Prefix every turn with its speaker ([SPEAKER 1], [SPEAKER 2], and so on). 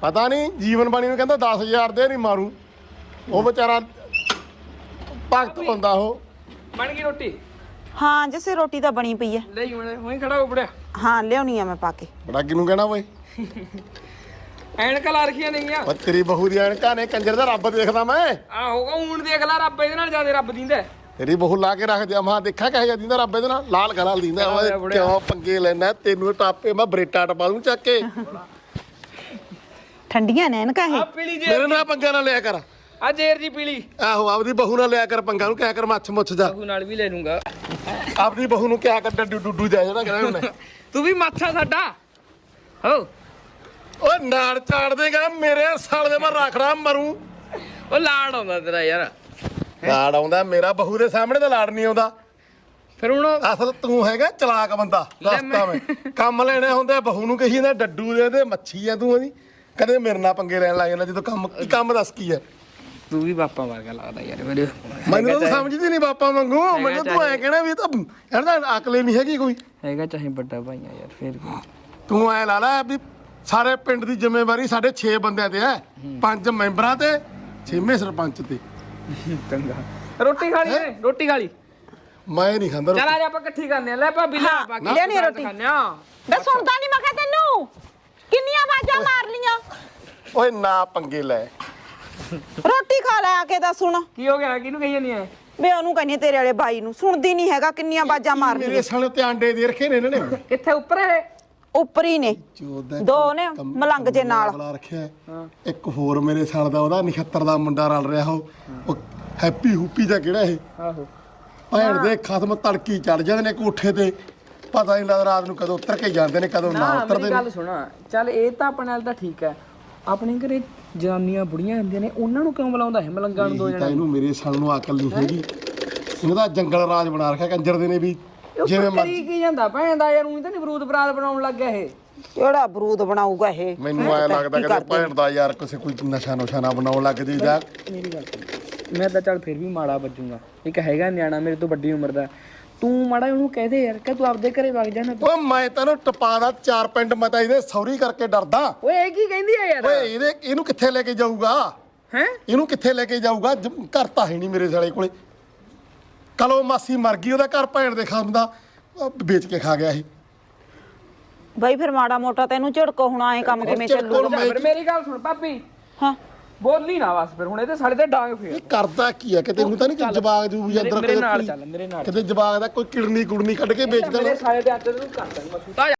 [SPEAKER 1] ਪਤਾ ਨਹੀਂ ਜੀਵਨ ਬਾਣੀ ਨੂੰ ਕਹਿੰਦਾ 10,000 ਦੇ ਨਹੀਂ ਮਾਰੂ ਉਹ ਵਿਚਾਰਾ ਭਗਤ ਹੁੰਦਾ ਉਹ।
[SPEAKER 2] ਬਣ ਗਈ ਰੋਟੀ?
[SPEAKER 3] ਹਾਂ ਜਿਸੇ ਰੋਟੀ ਤਾਂ ਬਣੀ ਪਈ ਹੈ।
[SPEAKER 2] ਲੈ ਹੁਣ ਉਹੀ ਖੜਾ ਹੋ ਬੜਿਆ।
[SPEAKER 3] ਹਾਂ ਲਿਆਉਣੀ ਆ ਮੈਂ ਪਾ ਕੇ।
[SPEAKER 1] ਬੜਾ ਕਿਹਨੂੰ ਕਹਿਣਾ ਓਏ
[SPEAKER 2] ਐਨਕਾਂ ਲਾ ਰੱਖੀਆਂ ਨੇਗੀਆਂ।
[SPEAKER 1] ਉਹ ਤੇਰੀ ਬਹੂ ਦੀ ਐਨਕਾਂ ਨੇ ਕੰਜਰ ਦਾ ਰੱਬ ਦੇਖਦਾ ਮੈਂ।
[SPEAKER 2] ਹੋਗਾ ਹੁਣ ਦੇਖ ਲੈ ਰੱਬ ਇਹਦੇ ਨਾਲ ਜਿਆਦਾ ਰੱਬ ਦਿੰਦਾ।
[SPEAKER 1] ਤੇਰੀ ਬਹੂ ਲਾ ਕੇ ਰੱਖ ਦਿਆ ਮਾਂ ਦੇਖਾ ਕਹੇ ਜਾ ਦਿੰਦਾ ਰੱਬ ਇਹਦੇ ਨਾਲ ਲਾਲ ਗਲਾਲ ਦਿੰਦਾ ਓਏ ਕਿਉਂ ਪੰਗੇ ਲੈਣਾ ਤੈਨੂੰ ਟਾਪੇ ਮੈਂ ਬਰੇਟਾ ਟਪਾ ਦੂੰ ਚੱਕ ਕੇ।
[SPEAKER 3] ਠੰਡੀਆਂ ਨੇ ਐਨਕਾਂ ਇਹ।
[SPEAKER 2] ਪੀਲੀ ਜੇ
[SPEAKER 1] ਮੇਰੇ ਨਾਲ ਪੰਗਾ ਨਾ ਲਿਆ ਕਰ।
[SPEAKER 2] ਆ ਜੇਰ ਜੀ ਪੀਲੀ।
[SPEAKER 1] ਆਹੋ ਆਪਦੀ ਬਹੂ ਨਾਲ ਲਿਆ ਕਰ ਪੰਗਾ ਨੂੰ ਕਹਿ ਕਰ ਮੱਛ ਮੁੱਛ ਜਾ।
[SPEAKER 2] ਬਹੂ ਨਾਲ ਵੀ ਲੈ ਲੂੰਗਾ।
[SPEAKER 1] ਆਪਦੀ ਬਹੂ ਨੂੰ ਕਿਹਾ ਕਰ ਡੱਡੂ ਡੁੱਡੂ ਜਾ ਜਿਹੜਾ ਕਹਿੰਦਾ ਮੈਂ।
[SPEAKER 2] ਤੂੰ ਵੀ ਮਾਛਾ ਸਾਡਾ ਹੋ।
[SPEAKER 1] ਓਏ ਨਾਲ ਚਾੜ ਦੇਗਾ ਮੇਰੇ ਸਾਲ ਦੇ ਮੈਂ ਰੱਖੜਾ ਮਰੂ।
[SPEAKER 2] ਉਹ ਲਾੜ ਆਉਂਦਾ ਤੇਰਾ ਯਾਰ।
[SPEAKER 1] ਲਾੜ ਆਉਂਦਾ ਮੇਰਾ ਬਹੂ ਦੇ ਸਾਹਮਣੇ ਤਾਂ ਲਾੜ ਨਹੀਂ ਆਉਂਦਾ।
[SPEAKER 2] ਫਿਰ ਹੁਣ
[SPEAKER 1] ਅਸਲ ਤੂੰ ਹੈਗਾ ਚਲਾਕ ਬੰਦਾ ਦੱਸਦਾ ਮੈਂ। ਕੰਮ ਲੈਣੇ ਹੁੰਦੇ ਬਹੂ ਨੂੰ ਕਹੀ ਜਾਂਦਾ ਡੱਡੂ ਦੇ ਤੇ ਮੱਛੀ ਆ ਤੂੰ ਉਹਦੀ। ਕਦੇ ਮੇਰੇ ਨਾਲ ਪੰਗੇ ਲੈਣ ਲੱਗ ਜਾਂਦਾ ਜਦੋਂ ਕੰਮ ਦੱਸ ਕੀ ਹੈ।
[SPEAKER 2] ਤੂੰ ਵੀ ਬਾਪਾ ਵਰਗਾ ਲੱਗਦਾ ਯਾਰ ਮੇਰੇ।
[SPEAKER 1] ਮੈਨੂੰ ਤਾਂ ਸਮਝਦੀ ਨਹੀਂ ਬਾਪਾ ਵਾਂਗੂ। ਮੈਨੂੰ ਤੂੰ ਐ ਕਹਿਣਾ ਵੀ ਤਾਂ ਇਹਦਾ ਅਕਲ ਨਹੀਂ ਹੈਗੀ ਕੋਈ।
[SPEAKER 2] ਹੈਗਾ ਚਾਹੇ ਵੱਡਾ ਭਾਈ ਆ ਯਾਰ ਫਿਰ
[SPEAKER 1] ਤੂੰ ਐ ਲਾ ਲੈ ਵੀ ਸਾਰੇ ਪਿੰਡ ਦੀ ਜ਼ਿੰਮੇਵਾਰੀ ਸਾਡੇ 6 ਬੰਦਿਆਂ ਤੇ ਹੈ। 5 ਮੈਂਬਰਾਂ ਤੇ 6ਵੇਂ ਸਰਪੰਚ ਤੇ।
[SPEAKER 2] ਚੰਗਾ ਰੋਟੀ ਖਾ ਲਈ ਨੇ? ਰੋਟੀ ਖਾ ਲਈ?
[SPEAKER 1] ਮੈਂ ਨਹੀਂ ਖਾਂਦਾ
[SPEAKER 2] ਚਲ ਆ ਜਾ ਆਪਾਂ ਇਕੱਠੀ ਕਰਨੇ ਆ। ਲੈ ਭਾਬੀ ਲੈ ਬਾਕੀ
[SPEAKER 3] ਲੈਣੀ ਰੋਟੀ। ਬੇ ਸੁਣਦਾ ਨਹੀਂ ਮੈਂ ਕਿਹਾ ਤੈਨੂੰ ਕਿੰਨੀਆਂ ਆਵਾਜ਼ਾਂ ਮਾਰ ਲੀਆਂ।
[SPEAKER 1] ਓਏ ਨਾ ਪੰਗੇ ਲੈ
[SPEAKER 3] ਰੋਟੀ ਖਾ ਲੈ ਆ ਕੇ ਤਾਂ ਸੁਣ।
[SPEAKER 2] ਕੀ ਹੋ ਗਿਆ? ਕਿਹਨੂੰ ਕਹੀ ਜਾਂਦੀ ਐ?
[SPEAKER 3] ਬੇ ਉਹਨੂੰ ਕਹਿੰਦੀ ਤੇਰੇ ਵਾਲੇ ਬਾਈ ਨੂੰ ਸੁਣਦੀ ਨਹੀਂ ਹੈਗਾ ਕਿੰਨੀਆਂ ਆਵਾਜ਼ਾਂ ਮਾਰ
[SPEAKER 1] ਮੇਰੇ
[SPEAKER 3] ਲੀਆਂ।
[SPEAKER 1] ਸਾਲੇ ਤੇ ਆਂਡੇ ਦੇ ਰੱਖੇ ਨੇ ਇਹਨਾਂ ਨੇ।
[SPEAKER 2] ਕਿੱਥੇ ਉੱਪਰ ਹੈ?
[SPEAKER 3] ਉੱਪਰ ਹੀ ਨੇ ਦੋ ਨੇ ਮਲੰਗ ਜੇ ਨਾਲ।
[SPEAKER 1] ਬੁਲਾ ਰੱਖਿਆ ਇੱਕ ਹੋਰ ਮੇਰੇ ਸਾਲ ਦਾ ਉਹਦਾ 79 ਦਾ ਮੁੰਡਾ ਰਲ ਰਿਹਾ ਉਹ ਹੈਪੀ ਹੂਪੀ ਦਾ ਕਿਹੜਾ ਇਹ।
[SPEAKER 2] ਆਹੋ
[SPEAKER 1] ਭੈਣ ਦੇ ਖਤਮ ਤੜਕੀ ਚੜ ਜਾਂਦੇ ਨੇ ਕੋਠੇ ਤੇ। ਪਤਾ ਨਹੀਂ ਲੱਗਦਾ ਰਾਤ ਨੂੰ ਕਦੋਂ ਉਤਰ ਕੇ ਜਾਂਦੇ ਨੇ ਕਦੋਂ ਨਾ ਉਤਰਦੇ
[SPEAKER 2] ਮੇਰੀ
[SPEAKER 1] ਨੇ।
[SPEAKER 2] ਗੱਲ ਸੁਣਾ ਚੱਲ ਇਹ ਤਾਂ ਆਪਣੇ ਨਾਲ ਤਾਂ ਠੀਕ ਹੈ। ਆਪਣੇ ਘਰੇ ਜਨਾਨੀਆਂ ਬੁੜੀਆਂ ਹੁੰਦੀਆਂ ਨੇ ਉਹਨਾਂ ਨੂੰ ਕਿਉਂ ਬੁਲਾਉਂਦਾ ਹੈ ਮਲੰਗਾਂ ਨੂੰ? ਦੋ
[SPEAKER 1] ਤਾਂ
[SPEAKER 2] ਜਣੇ
[SPEAKER 1] ਇਹਨੂੰ ਮੇਰੇ ਸਾਲ ਨੂੰ ਅਕਲ ਨਹੀਂ ਹੈਗੀ। ਉਹਦਾ ਜੰਗਲ ਰਾਜ ਬਣਾ ਰੱਖਿਆ ਕੰਜਰ ਦੇ ਨੇ ਵੀ ਜਿਵੇਂ
[SPEAKER 2] ਮਰਜ਼ੀ ਕੀ ਜਾਂਦਾ ਭੈਣ ਦਾ ਯਾਰ। ਉਹੀ ਤਾਂ ਨਿਬਰੂਦ ਬਰਾਦ ਬਣਾਉਣ ਲੱਗ ਗਿਆ ਇਹ।
[SPEAKER 3] ਕਿਹੜਾ ਬਰੂਦ ਬਣਾਊਗਾ ਇਹ?
[SPEAKER 1] ਮੈਨੂੰ ਐ ਲੱਗਦਾ ਕਿ ਭੈਣ ਦਾ ਯਾਰ ਕਿਸੇ ਕੋਈ ਨਸ਼ਾ ਨੁਸ਼ਾ ਨਾ ਬਣਾਉਣ ਲੱਗ ਜੀ ਜਾ।
[SPEAKER 2] ਮੇਰੀ ਗੱਲ ਸੁਣ ਮੈਂ ਤਾਂ ਚੱਲ ਫਿਰ ਵੀ ਮਾੜਾ ਵੱਜੂਗਾ। ਇੱਕ ਹੈਗਾ ਨਿਆਣਾ ਮੇਰੇ ਤੋਂ ਵੱਡੀ ਉਮਰ ਦਾ। ਤੂੰ ਮਾੜਾ ਉਹਨੂੰ ਕਹਿ ਦੇ ਯਾਰ ਕਿ ਤੂੰ ਆਪਦੇ ਘਰੇ ਵਗ ਜਾ ਨਾ।
[SPEAKER 1] ਓਏ ਮੈਂ ਤੈਨੂੰ ਟਪਾ ਦਾ 4 ਪਿੰਡ ਮੈਂ ਤਾਂ ਇਹਦੇ ਸੌਰੀ ਕਰਕੇ ਡਰਦਾ।
[SPEAKER 2] ਓਏ ਇਹ ਕੀ ਕਹਿੰਦੀ ਆ ਯਾਰ?
[SPEAKER 1] ਓਏ ਇਹਨੂੰ ਕਿੱਥੇ ਲੈ ਕੇ ਜਾਊਗਾ?
[SPEAKER 2] ਹੈ
[SPEAKER 1] ਇਹਨੂੰ ਕਿੱਥੇ ਲੈ ਕੇ ਜਾਊਗਾ? ਘਰ ਤਾਂ ਹੈ ਨਹੀਂ ਮੇਰੇ ਸਾਲੇ ਕੋਲੇ। ਕਲੋ ਮਾਸੀ ਮਰ ਗਈ ਉਹਦਾ ਘਰ ਭੈਣ ਦੇ ਖਾਮ ਦਾ ਵੇਚ ਕੇ ਖਾ ਗਿਆ ਇਹ।
[SPEAKER 3] ਬਾਈ ਫਿਰ ਮਾੜਾ ਮੋਟਾ ਤੈਨੂੰ ਝੜਕੋ ਹੁਣ ਆਏ ਕੰਮ ਕਿਵੇਂ ਚੱਲੂ?
[SPEAKER 2] ਫਿਰ ਮੇਰੀ ਗੱਲ ਸੁਣ ਭਾਬੀ।
[SPEAKER 3] ਹਾਂ
[SPEAKER 2] ਬੋਲੀ ਨਾ ਬਸ ਫਿਰ ਹੁਣ ਇਹਦੇ ਸਾਡੇ ਤੇ ਡਾਂਗ ਫੇਰ।
[SPEAKER 1] ਇਹ ਕਰਦਾ ਕੀ ਹੈ ਕਿ ਤੈਨੂੰ ਤਾਂ ਨਹੀਂ ਜਵਾਗ ਜੂ ਅੰਦਰ
[SPEAKER 2] ਮੇਰੇ ਨਾਲ ਚੱਲ ਮੇਰੇ ਨਾਲ।
[SPEAKER 1] ਕਿਤੇ ਜਵਾਗ ਦਾ ਕੋਈ ਕਿਡਨੀ ਕੁੜਨੀ ਕੱਢ ਕੇ ਵੇਚ ਦੇਣਾ।
[SPEAKER 2] ਮੇਰੇ ਸਾਰੇ ਦੇ ਅੰਦਰ ਨੂੰ ਕਰ ਦੇਣਾ ਮੈਂ ਸੁਤਾ।